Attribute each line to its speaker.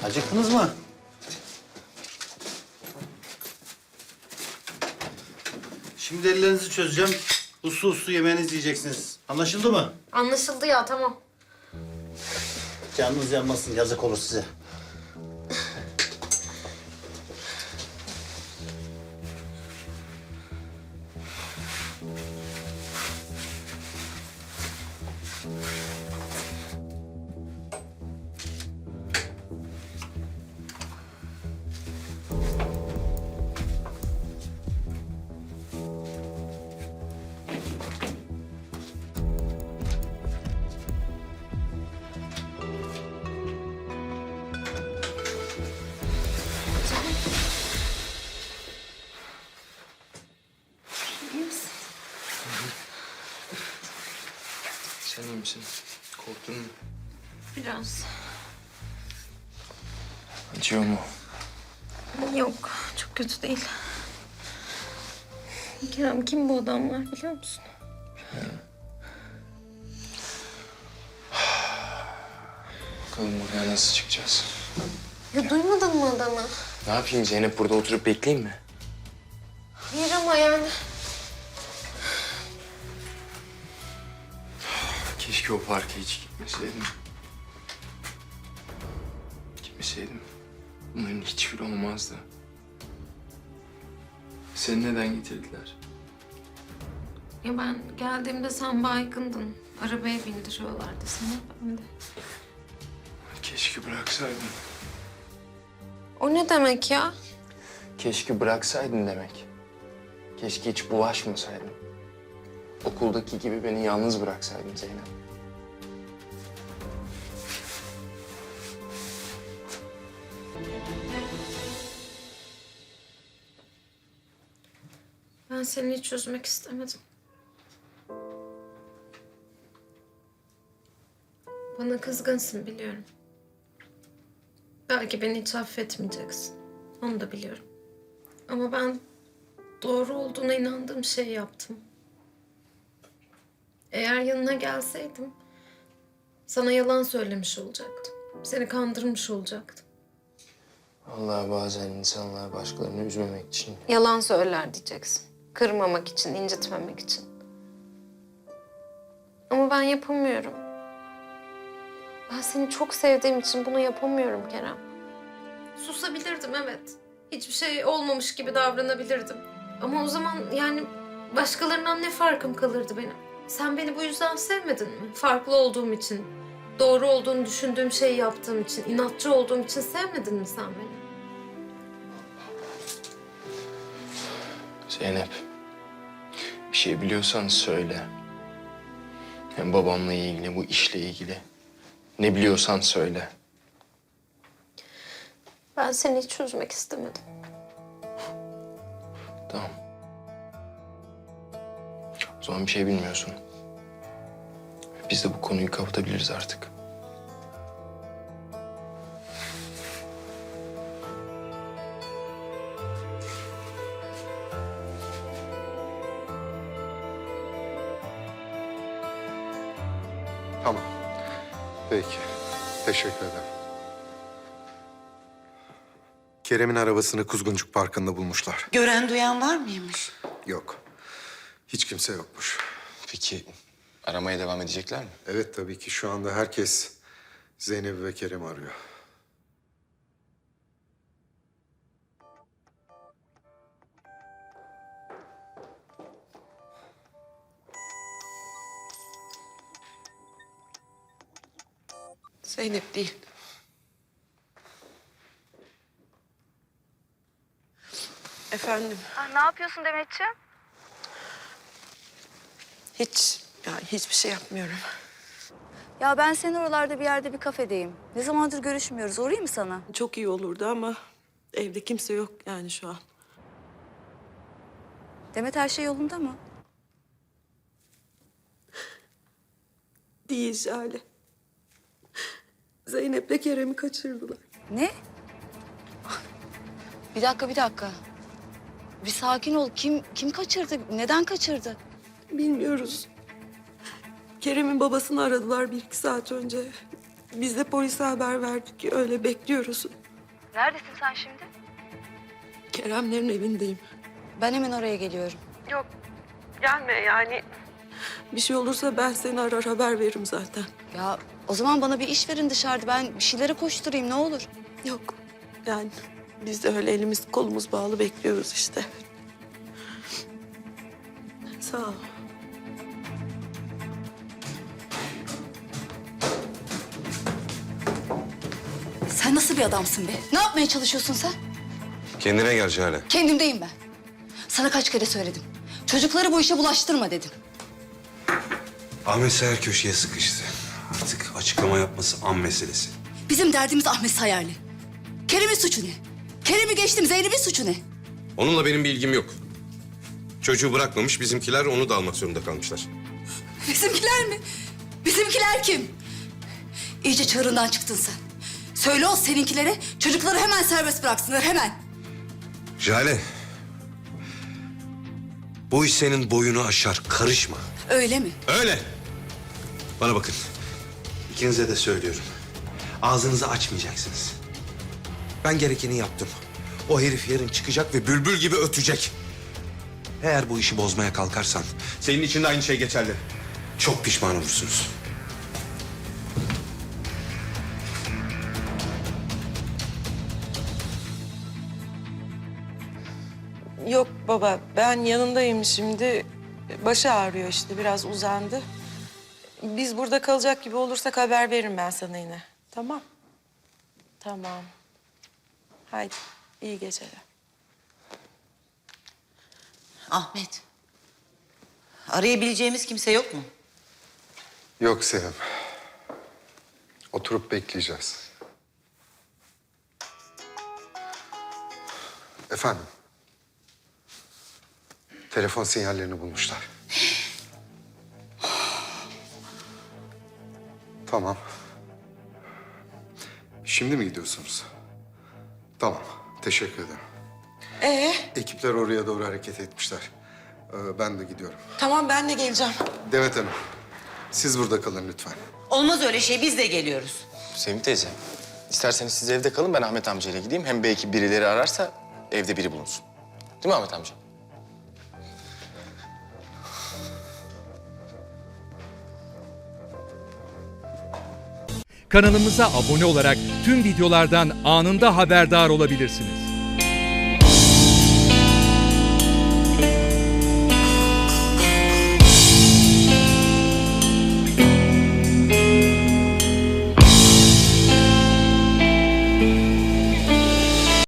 Speaker 1: Acıktınız mı? Şimdi ellerinizi çözeceğim. Uslu uslu yemeğinizi yiyeceksiniz. Anlaşıldı mı?
Speaker 2: Anlaşıldı ya, tamam.
Speaker 1: Canınız yanmasın, yazık olur size.
Speaker 2: İyi misin?
Speaker 3: Sen iyi misin? Korktun mu?
Speaker 2: Biraz.
Speaker 3: Acıyor mu?
Speaker 2: Yok, çok kötü değil. Kerem, kim bu adamlar biliyor musun?
Speaker 3: Bakalım buraya nasıl çıkacağız?
Speaker 2: Ya duymadın mı adamı?
Speaker 3: Ne yapayım Zeynep, burada oturup bekleyeyim mi?
Speaker 2: Hayır ama yani.
Speaker 3: Keşke o parka hiç gitmeseydim. Gitmeseydim bunların hiçbiri olmazdı. Seni neden getirdiler?
Speaker 2: Ya ben geldiğimde sen baygındın. Arabaya bindiriyorlardı seni. Ben de.
Speaker 3: Keşke bıraksaydın.
Speaker 2: O ne demek ya?
Speaker 3: Keşke bıraksaydın demek. Keşke hiç bulaşmasaydın. Okuldaki gibi beni yalnız bıraksaydın Zeynep.
Speaker 2: Ben seni hiç üzmek istemedim. Bana kızgınsın biliyorum. Belki beni hiç affetmeyeceksin. Onu da biliyorum. Ama ben doğru olduğuna inandığım şeyi yaptım. Eğer yanına gelseydim sana yalan söylemiş olacaktım. Seni kandırmış olacaktım.
Speaker 3: Vallahi bazen insanlar başkalarını üzmemek için
Speaker 2: Yalan söyler diyeceksin. Kırmamak için, incitmemek için. Ama ben yapamıyorum. Ben seni çok sevdiğim için bunu yapamıyorum Kerem. Susabilirdim evet. Hiçbir şey olmamış gibi davranabilirdim. Ama o zaman yani başkalarından ne farkım kalırdı benim? Sen beni bu yüzden sevmedin mi? Farklı olduğum için, doğru olduğunu düşündüğüm şeyi yaptığım için, inatçı olduğum için sevmedin mi sen beni?
Speaker 3: Zeynep, bir şey biliyorsan söyle. Hem babamla ilgili, bu işle ilgili. Ne biliyorsan söyle.
Speaker 2: Ben seni hiç üzmek istemedim.
Speaker 3: Tamam. O zaman bir şey bilmiyorsun. Biz de bu konuyu kapatabiliriz artık.
Speaker 4: Tamam. Peki. Teşekkür ederim. Kerem'in arabasını Kuzguncuk Parkı'nda bulmuşlar.
Speaker 5: Gören duyan var mıymış?
Speaker 4: Yok. Hiç kimse yokmuş.
Speaker 3: Peki aramaya devam edecekler mi?
Speaker 4: Evet tabii ki şu anda herkes Zeynep'i ve Kerem'i arıyor.
Speaker 5: Zeynep değil. Efendim,
Speaker 6: Ne yapıyorsun Demetciğim?
Speaker 5: hiçbir şey yapmıyorum.
Speaker 6: Ya ben senin oralarda bir yerde bir kafedeyim. Ne zamandır görüşmüyoruz. Uğrayayım mı sana?
Speaker 5: Çok iyi olurdu ama evde kimse yok yani şu an.
Speaker 6: Demet her şey yolunda mı?
Speaker 5: Değil Jale. Zeynep'le Kerem'i kaçırdılar.
Speaker 6: Ne? Bir dakika. Bir sakin ol. Kim kaçırdı? Neden kaçırdı?
Speaker 5: Bilmiyoruz. Kerem'in babasını aradılar 1-2 saat önce. Biz de polise haber verdik. Öyle bekliyoruz.
Speaker 6: Neredesin sen şimdi?
Speaker 5: Keremlerin evindeyim.
Speaker 6: Ben hemen oraya geliyorum.
Speaker 5: Yok, gelme yani. Bir şey olursa ben seni arar haber veririm zaten.
Speaker 6: Ya o zaman bana bir iş verin dışarıda. Ben bir şeylere koşturayım ne olur.
Speaker 5: Yok, yani biz de öyle elimiz kolumuz bağlı bekliyoruz işte. Sağ ol.
Speaker 6: Sen nasıl bir adamsın be? Ne yapmaya çalışıyorsun sen?
Speaker 4: Kendine gel Jale.
Speaker 6: Kendimdeyim ben. Sana kaç kere söyledim. Çocukları bu işe bulaştırma dedim.
Speaker 7: Ahmet Sayar köşeye sıkıştı. Artık açıklama yapması an meselesi.
Speaker 6: Bizim derdimiz Ahmet Sayarlı. Kerem'in suçu ne? Kerem'i geçtim, Zeynep'in suçu ne?
Speaker 7: Onunla benim bir ilgim yok. Çocuğu bırakmamış, bizimkiler onu da almak zorunda kalmışlar.
Speaker 6: Bizimkiler mi? Bizimkiler kim? İyice çığırından çıktın sen. Söyle o seninkilere çocukları hemen serbest bıraksınlar, hemen.
Speaker 7: Jale, bu iş senin boyunu aşar, karışma.
Speaker 6: Öyle mi?
Speaker 7: Öyle. Bana bakın, ikinize de söylüyorum. Ağzınızı açmayacaksınız. Ben gerekeni yaptım. O herif yarın çıkacak ve bülbül gibi ötecek. Eğer bu işi bozmaya kalkarsan, senin için de aynı şey geçerli. Çok pişman olursunuz.
Speaker 5: Yok baba, ben yanındayım şimdi. Başı ağrıyor işte, biraz uzandı. Biz burada kalacak gibi olursak haber veririm ben sana yine. Tamam. Tamam. Haydi, iyi geceler.
Speaker 8: Ahmet. Arayabileceğimiz kimse yok mu?
Speaker 4: Yok Sevim. Oturup bekleyeceğiz. Efendim? Telefon sinyallerini bulmuşlar. Tamam. Şimdi mi gidiyorsunuz? Tamam, teşekkür ederim. Ekipler oraya doğru hareket etmişler. Ben de gidiyorum.
Speaker 5: Tamam, ben de geleceğim.
Speaker 4: Demet Hanım, siz burada kalın lütfen.
Speaker 8: Olmaz öyle şey, biz de geliyoruz.
Speaker 3: Sevim teyze, isterseniz siz evde kalın, ben Ahmet amcayla gideyim. Hem belki birileri ararsa evde biri bulunsun. Değil mi Ahmet amca?
Speaker 9: Kanalımıza abone olarak tüm videolardan anında haberdar olabilirsiniz.